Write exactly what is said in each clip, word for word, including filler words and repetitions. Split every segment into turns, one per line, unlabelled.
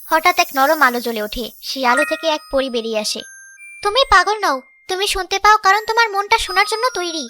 হঠাৎ এক নরম আলো জ্বলে ওঠে। সেই আলো থেকে এক পরী বেরিয়ে আসে। তুমি পাগল নও, তুমি শুনতে পাও কারণ তোমার মনটা শোনার জন্য তৈরি।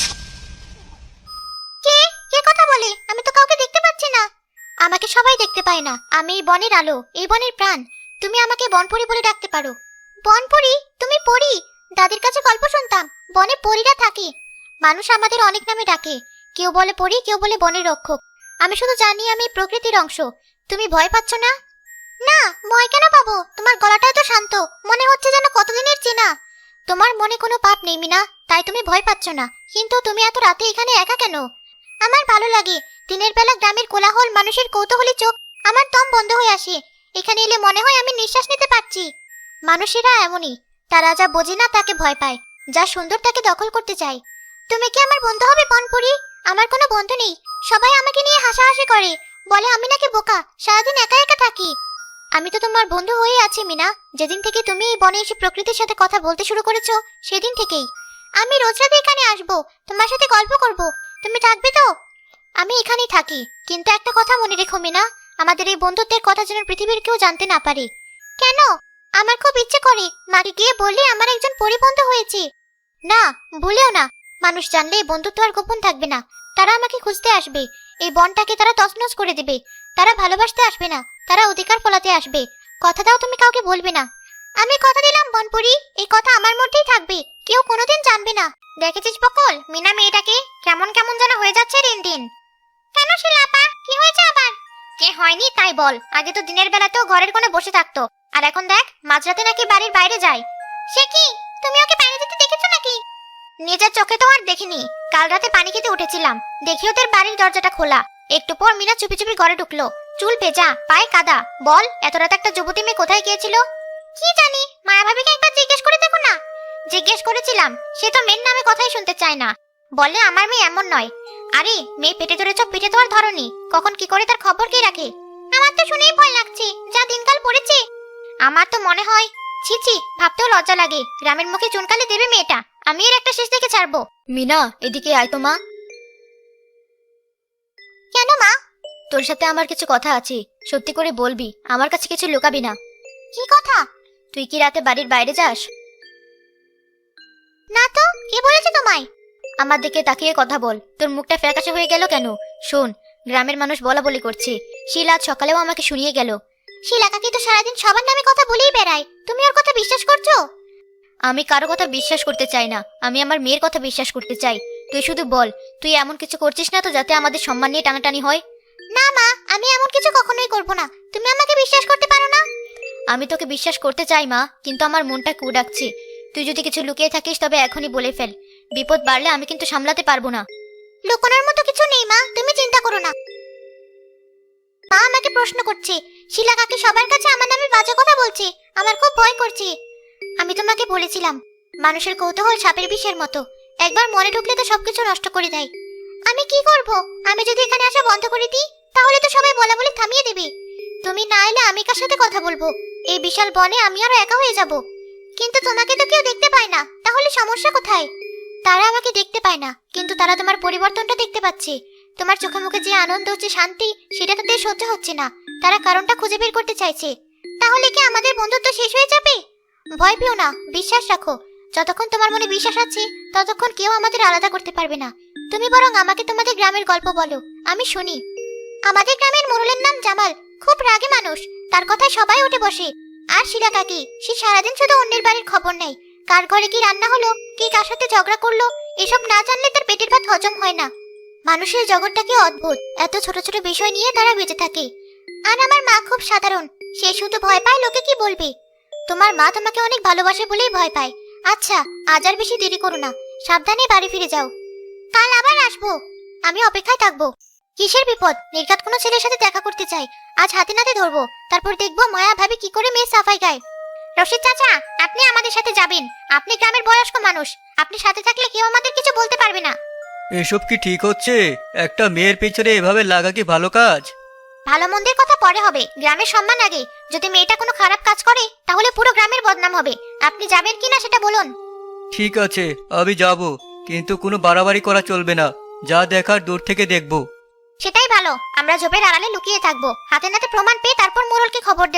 কে কে কথা বলে? আমি তো কাউকে দেখতে পাচ্ছি না। আমাকে সবাই দেখতে পায় না, আমি এই বনের আলো, এই বনের প্রাণ। তুমি আমাকে বনপরী বলে ডাকতে পারো। বনপরী? তুমি পরী? দাদির কাছে গল্প শুনতাম, বনে পরীরা থাকে। মানুষ আমাদের অনেক নামে ডাকে, কেউ বলে পরী, কেউ বলে বনের রক্ষক। আমি শুধু জানি আমি প্রকৃতির অংশ। তুমি ভয় পাচ্ছ না? না, ভয় কেন পাবো? তোমার গলাটাও তো শান্ত, মনে হচ্ছে যেন কতদিনের চেনা। তোমার মনে কোনো পাপ নেই মিনা, তাই তুমি ভয় পাচ্ছ না। কিন্তু তুমি এত রাতে এখানে একা কেন? আমার ভালো লাগে। দিনের বেলা গ্রামের কোলাহল, মানুষের কৌতূহলী চোখ, আমার দম বন্ধ হয়ে আসে। এখানে এলে মনে হয় আমি নিঃশ্বাস নিতে পারছি। মানুষেরা এমনই, তারা যা বোঝে না তাকে ভয় পায়, যা সুন্দর তাকে দখল করতে চায়। তুমি কি আমার বন্ধু হবে বনপুরি? আমার কোনো বন্ধু নেই। সবাই আমাকে নিয়ে হাসাহাসি করে, বলে আমি নাকি বোকা, সারাদিন একা একা থাকি। আমি তো তোমার বন্ধু হয়ে আছি মিনা। যেদিন থেকে তুমি এই বনে এসে প্রকৃতির সাথে কথা বলতে শুরু করেছো, সেদিন থেকেই। আমি রোজ রাতে এখানে আসবো, তোমার সাথে গল্প করব। তুমি থাকবে তো? আমি এখানেই থাকি, কিন্তু একটা কথা মনে রেখো মিনা, আমাদের এই বন্ধুত্বের কথা যেন পৃথিবীর কেউ জানতে না পারে। কেন? আমার খুব ইচ্ছে করে মাকে গিয়ে বললে আমার একজন পরিবন্ধু হয়েছে। না, ভুলেও না। মানুষ জানলে এই বন্ধুত্ব আর গোপন থাকবে না। তারা আমাকে খুঁজতে আসবে, এই বনটাকে তারা তছনছ করে দেবে। তারা ভালোবাসতে আসবে না, তারা অধিকার ফলাতে আসবে। কথা দাও তুমি কাউকে বলবে না। আমি কথা দিলাম বনপুরি, এই কথা আমার মধ্যেই থাকবে, কেউ কোনোদিন জানবে না। দেখেছিস বকল, মিনা মেয়েটাকে কেমন কেমন যেন হয়ে যাচ্ছে দিন দিন। কেন শিলাপা, কি হয়েছে আবার? কে হয়নি তাই বল। আগে তো দিনের বেলাতেও ঘরের কোণে বসে থাকতো, আর এখন দেখ মাঝরাতে নাকি বাড়ির বাইরে যায়। সে কি, তুমি ওকে বাইরে যেতে দেখেছো নাকি? নিজের চোখে তো আর দেখিনি। কাল রাতে পানি খেতে উঠেছিলাম, দেখি ওদের বাড়ির দরজাটা খোলা। একটু পর মিনা চুপি চুপি ঘরে ঢুকলো, চুল ভেজা, পায়ে কাদা। বল, এত রাতে একটা যুবতী মেয়ে কোথায় গিয়েছিল? কি জানি, মায়া ভাবিকে একবার জিজ্ঞেস করে দেখো না। জিজ্ঞেস করেছিলাম, সে তো মেয়ের নামে কথাই শুনতে চায় না। বলে আমার মেয়ে এমন নয়। আরে মেয়ে পেটে ধরেছ, পিঠে তো আর ধরনি, কখন কি করে তার খবর কে রাখে? আমার তো শুনেই ভয় লাগছে, যা দিনকাল পড়েছে। আমার তো মনে হয়, ছি ছি, ভাবতেও লজ্জা লাগে। গ্রামের মুখে চুনকালে দেবে মেয়েটা, আমি এর একটা শেষ দেখে ছাড়বো। মিনা, এদিকে আয় তো মা। কেন মা? তোর সাথে আমার কিছু কথা আছে, সত্যি করে বলবি, আমার কাছে কিছু লুকাবি না। কি কথা? তুই কি রাতে বাড়ির বাইরে যাস? না তো, কে বলেছে তোমায়? আমার দিকে তাকিয়ে কথা বল, তোর মুখটা ফ্যাকাশে হয়ে গেল কেন? শোন, গ্রামের মানুষ বলা বলি করছে, শিলা আজ সকালেও আমাকে শুনিয়ে গেল। শিলা কাকি তো সারাদিন সবার নামে কথা বলেই বেড়ায়, তুমি ওর কথা বিশ্বাস করছো? আমি কারো কথা বিশ্বাস করতে চাই না, আমি আমার মেয়ের কথা বিশ্বাস করতে চাই। তুই শুধু বল, তুই এমন কিছু করছিস না তো যাতে আমাদের সম্মান নিয়ে টানাটানি হয়? না মা, আমি এমন কিছু কখনোই করব না। তুমি আমাকে বিশ্বাস করতে পারো না? আমি তোকে বিশ্বাস করতে চাই মা, কিন্তু আমার মনটা কু ডাকছে। তুই যদি কিছু লুকিয়ে থাকিস তবে এখনই বলে ফেল, বিপদ বাড়লে আমি কিন্তু সামলাতে পারবো না। লুকোনোর মতো কিছু নেই মা, তুমি চিন্তা করো না। মা আমাকে প্রশ্ন করছে, শিলা কাকি সবার কাছে আমার নামে বাজে কথা বলছে, আমার খুব ভয় করছে। আমি তোমাকে বলেছিলাম, মানুষের কৌতূহল সাপের বিষের মতো, একবার মনে ঢুকলে তো সবকিছু নষ্ট করে দেয়। আমি কি করব? আমি যদি এখানে আসা বন্ধ করে দিই, তাহলে তো সবাই বলা বলে থামিয়ে দেবে। তুমি না এলে আমি কার সাথে কথা বলবো? এই বিশাল বনে আমি আরো একা হয়ে যাব। কিন্তু তোমাকে তো কেউ দেখতে পায় না, তাহলে সমস্যা কোথায়? তারা আমাকে দেখতে পায় না, কিন্তু তারা তোমার পরিবর্তনটা দেখতে পাচ্ছে। তোমার চোখে মুখে যে আনন্দ, যে শান্তি, সেটা তাদের সহ্য হচ্ছে না। তারা কারণটা খুঁজে বের করতে চাইছে। তাহলে কি আমাদের বন্ধুত্ব শেষ হয়ে যাবে? ভয় পেও না, বিশ্বাস রাখো। যতক্ষণ তোমার মনে বিশ্বাস আছে, ততক্ষণ কেউ আমাদের আলাদা করতে পারবে না। তুমি বরং আমাকে তোমাদের গ্রামের গল্প বলো, আমি শুনি। আমাদের গ্রামের মোড়লের নাম জামাল, খুব রাগী মানুষ, তার কথায় সবাই উঠে বসে। আর শিলা কাকি, সে সারাদিন শুধু অন্যের বাড়ির খবর নেয়, কার ঘরে কি রান্না হলো, কে কার সাথে ঝগড়া করলো, এসব না জানলে তার পেটের ভাত হজম হয় না। মানুষের জগৎটাকে অদ্ভুত, এত ছোট ছোট বিষয় নিয়ে তারা বেঁচে থাকে। আর আমার মা খুব সাধারণ, সে শুধু ভয় পায় লোকে কি বলবে। তোমার মা তোমাকে অনেক ভালোবাসে বলেই ভয় পায়। আচ্ছা, আজ আর বেশি দেরি করো না, সাবধানে বাড়ি ফিরে যাও। কাল আবার আসবো, আমি অপেক্ষায় থাকবো। কিসের বিপদ? নির্ঘাত কোনো ছেলের সাথে দেখা করতে চাই, আজ হাতে নাতে ধরবো, তারপর দেখবো মায়া ভাবি কি করে মেয়ে সাফাই গায়। রশিদ চাচা, আপনি আমাদের সাথে যাবেন, আপনি গ্রামের বয়স্ক মানুষ, আপনি সাথে থাকলে কেউ আমাদের কিছু বলতে পারবে না।
এসব কি ঠিক হচ্ছে? একটা মেয়ের পেছনে এভাবে লাগা কি ভালো কাজ?
ভালো মন্দের কথা পরে হবে, গ্রামের সম্মান আগে। যদি মেয়েটা কোনো খারাপ কাজ করে, তাহলে পুরো গ্রামের বদনাম হবে। আপনি যাবেন কিনা সেটা বলুন।
ঠিক আছে, আমি যাব, কিন্তু কোনো বাড়াবাড়ি করা চলবে না, যা দেখার দূর থেকে দেখব।
সেটাই ভালো, আমরা ঝোপের আড়ালে লুকিয়ে থাকবো, হাতে নাতে প্রমাণ পেয়ে তারপর মোড়লকে খবর দেব।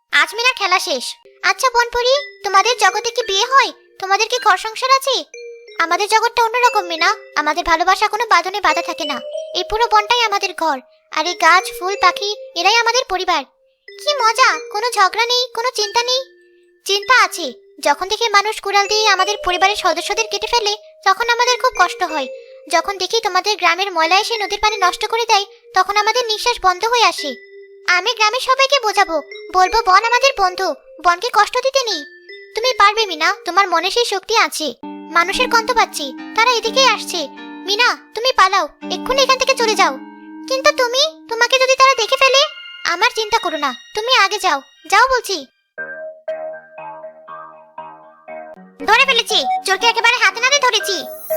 আজ মিনার খেলা শেষ। আচ্ছা বনপরি, তোমাদের জগতে কি বিয়ে হয়? তোমাদের কি ঘর সংসার আছে? আমাদের জগৎটা অন্যরকম মিনা। আমাদের ভালোবাসা কোনো বাঁধনে বাঁধা থাকে না। এই পুরো বনটাই আমাদের ঘর, আর এই গাছ ফুল পাখি এরাই আমাদের পরিবার। কি মজা! কোনো ঝগড়া নেই, কোনো চিন্তা নেই। চিন্তা আছে। যখন দেখি মানুষ কুড়াল দিয়ে আমাদের পরিবারের সদস্যদের কেটে ফেলে, তখন আমাদের খুব কষ্ট হয়। যখন দেখি তোমাদের গ্রামের ময়লা এসে নদীর পানি নষ্ট করে দেয়, তখন আমাদের নিঃশ্বাস বন্ধ হয়ে আসে। আমি গ্রামের সবাইকে বোঝাবো, বলবো বন আমাদের বন্ধু, বনকে কষ্ট দিতে নেই। তুমি পারবে মিনা, তোমার মনে সেই শক্তি আছে। মানুষের গন্ধ পাচ্ছি, তারা এদিকেই আসছে। মিনা, তুমি পালাও, এক্ষুনি এখান থেকে চলে যাও। কিন্তু তুমি, তোমাকে যদি তারা দেখে ফেলে? আমার চিন্তা করো না, তুমি আগে যাও, যাও বলছি। ধরে ফেলেছি, চোরকে একেবারে হাতে নাতে ধরেছি।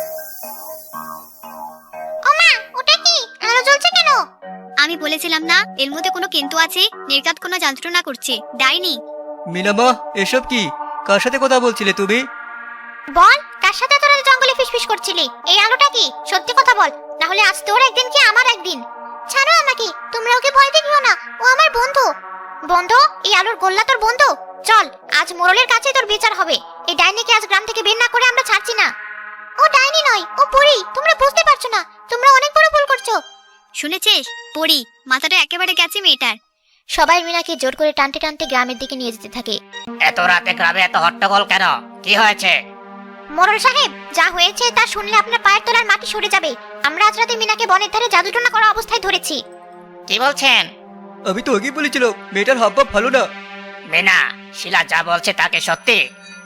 ওমা, ওটা কি? আলো জ্বলছে কেন?
আমি বলেছিলাম না এর মধ্যে কোনো কিন্তু আছে, নির্ঘাত কোনো যন্ত্রণা করছে, ডাইনি।
মিনামা, এসব কি? কার সাথে কথা বলছিলে তুমি?
বল, কার সাথে তোরা জঙ্গলে ফিসফিস করছিলি? এই আলোটা কি? সত্যি কথা বল, না হলে আজ তোর একদিন কি আমার একদিন। ছাড়ো আমাকে, তোমরা ওকে ভয় দেখিও না, ও আমার বন্ধু। বন্ধু? এই আলোর গোল্লা তোর বন্ধু? চল, আজ মোড়লের কাছে তোর বিচার হবে। এই ডাইনিকে আজ গ্রাম থেকে বের না করে আমরা ছাড়ছি না। ও ডাইনি নয়, ও পরী। তোমরা বুঝতে পারছো না, তোমরা অনেক বড় ভুল করছো।
শুনেছিস পড়ি, মাথাটা একেবারে গেছে মেয়েটার।
সবাই মিনাকে জোর করে টানতে টানতে গ্রামের দিকে নিয়ে যেতে থাকে।
এত রাতে গ্রামে এত হট্টগোল কেন? কি হয়েছে?
মোড়ল সাহেব, যা হয়েছে তা শুনলে আপনার পায়ের তলার মাটি সরে যাবে। আমরা আজ রাতে মিনাকে বনের ধারে জাদুটোনা করা অবস্থায় ধরেছি।
কি বলছেন?
আমি তো আগেই বলেছিল মেয়েটার হাবভাব ভালো না।
মিনা, শিলা যা বলছে তাকে সত্যি?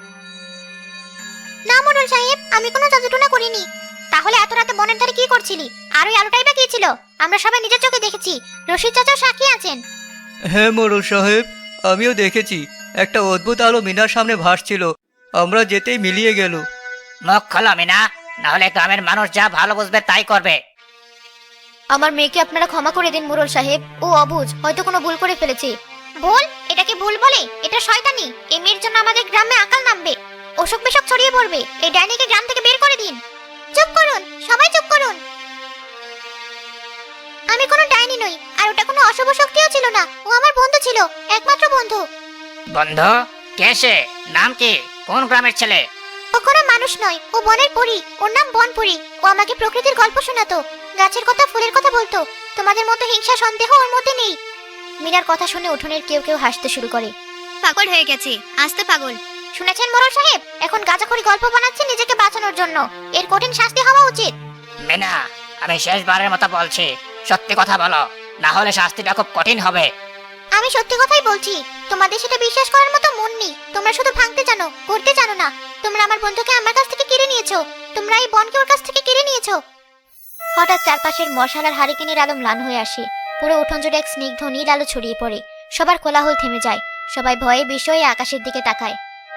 না মোড়ল সাহেব, আমি কোনো জাদুটোনা করিনি। তাহলে এত রাতে বনের ধারে কি করছিলি? আর ওই আলোটাই বা কি ছিল? আমরা সবাই নিজের চোখে দেখেছি, রশিদ চাচাও সাক্ষী আছেন।
হ্যাঁ মোড়ল সাহেব, আমিও দেখেছি। একটা অদ্ভুত আলো মিনার সামনে ভাসছিল, আমরা যেতেই মিলিয়ে গেল।
মুখ খোলো মিনা, না হলে গ্রামের মানুষ যা ভালো বুঝবে তাই করবে।
আমার মেয়েকে আপনারা ক্ষমা করে দিন মোড়ল সাহেব, ও অবুঝ, হয়তো কোনো ভুল করে ফেলেছে। ভুল? এটাকে ভুল বলে? এটা শয়তানি। এই মেয়ের জন্য আমাদের গ্রামে আকাল নামবে, অসুখ বিসুখ ছড়িয়ে পড়বে। এই ডাইনিকে গ্রাম থেকে বের করে দিন। চুপ করুন, সবাই চুপ করুন। আমি কোনো ডাইনি নই, আর ওটা কোনো অশুভ শক্তিও ছিল না। ও আমার বন্ধু ছিল, একমাত্র বন্ধু।
বন্ধু? কে সে? নাম কি? কোন গ্রামের ছেলে?
ও কোনো মানুষ নয়, ও বনের পরী। ওর নাম বনপরী। ও আমাকে প্রকৃতির গল্প শোনাতো, গাছের কথা, ফুলের কথা বলতো। তোমাদের মতো হিংসা সন্দেহ ওর মধ্যে নেই। মিনার কথা শুনে উঠোনের কেউ কেউ হাসতে শুরু করে।
পাগল হয়ে গেছে, আসতে পাগল।
শুনেছেন মোড়ল সাহেব, এখন গাঁজাখড়ি গল্প বানাচ্ছে নিজেকে বাঁচানোর জন্য। এর কঠিন শাস্তি হওয়া উচিত।
মিনা, আমি শেষবারের মতো বলছি, সত্যি কথা বলো, না হলে শাস্তিটা খুব কঠিন হবে।
আমি সত্যি কথাই বলছি, তোমাদের সেটা বিশ্বাস করার মতো মন নেই। তোমরা শুধু ভাঙতে জানো, করতে জানো না। তোমরা আমার বন্ধুকে আমার কাছ থেকে কেড়ে নিয়েছো, তোমরা এই বনকে ওর কাছ থেকে কেড়ে নিয়েছো। হঠাৎ চারপাশের মশালার হারিকেনের আলো ম্লান হয়ে আসে। পুরো উঠোন জুড়ে এক স্নিগ্ধ নীল আলো ছড়িয়ে পড়ে। সবার কোলাহল থেমে যায়, সবাই ভয়ে বিস্ময়ে আকাশের দিকে তাকায়।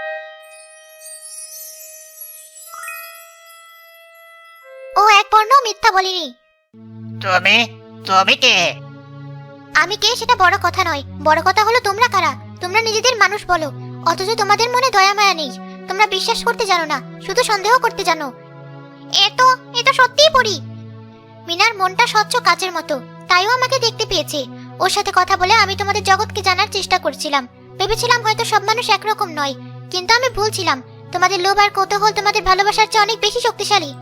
ও এক বর্ণ মিথ্যা বলিনি।
তুমি তুমি কে?
আমি কে সেটা বড় কথা নয়, বড় কথা হলো তোমরা কারা। তোমরা নিজেদের মানুষ বলো, অথচ তোমাদের মনে দয়া মায়া নেই। তোমরা বিশ্বাস করতে জানো না, শুধু সন্দেহ করতে জানো। এ তো এ তো সত্যিই পড়ি। মিনার মনটা স্বচ্ছ কাচের মতো, তাইও আমাকে দেখতে পেয়েছে। ওর সাথে কথা বলে আমি তোমাদের জগৎকে জানার চেষ্টা করছিলাম। ভেবেছিলাম হয়তো সব মানুষ একরকম নয়, কিন্তু আমি ভুল ছিলাম। তোমাদের লোভ আর কৌতূহল তোমাদের ভালোবাসার চেয়ে অনেক বেশি শক্তিশালী।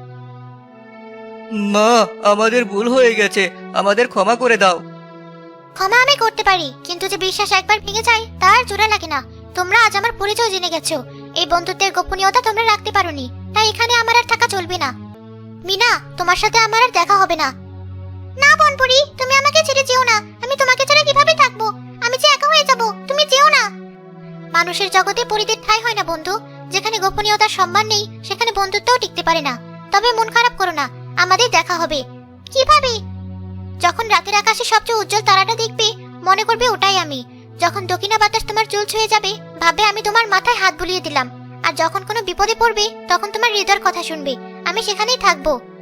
মা, আমাদের ভুল হয়ে গেছে, আমাদের ক্ষমা করে দাও।
ক্ষমা আমি করতে পারি, কিন্তু যে বিশ্বাস একবার ভেঙে যায় তার জোড়া লাগে না। তোমরা আজ আমার পরিচয় জেনে গেছো, এই বন্ধুত্বের গোপনীয়তা তোমরা রাখতে পারোনি, তাই এখানে আমার আর থাকা চলবে না। মিনা, তোমার সাথে আমার আর দেখা হবে না। না বনপুরি, তুমি আমাকে ছেড়ে যেও না। আমি তোমাকে ছাড়া কিভাবে থাকবো? আমি যে একা হয়ে যাব, তুমি যেও না। মানুষের জগতে পরিদের ঠাঁই হয় না বন্ধু। যেখানে গোপনীয়তার সম্মান নেই, সেখানে বন্ধুত্বও টিকতে পারে না। তবে মন খারাপ করো না, আমাদের দেখা হবে। কিভাবে? যখন রাতের আকাশে সবচেয়ে উজ্জ্বল তারাটা দেখবে, মনে করবে ওটাই আমি। যখন দক্ষিণা বাতাস তোমার চুল ছুঁয়ে যাবে, ভাববে আমি তোমার মাথায় হাত বুলিয়ে দিলাম। আর যখন কোনো বিপদে পড়বে, তখন তোমার হৃদয়ের কথা শুনবে। আমি সেখানেই থাকবো।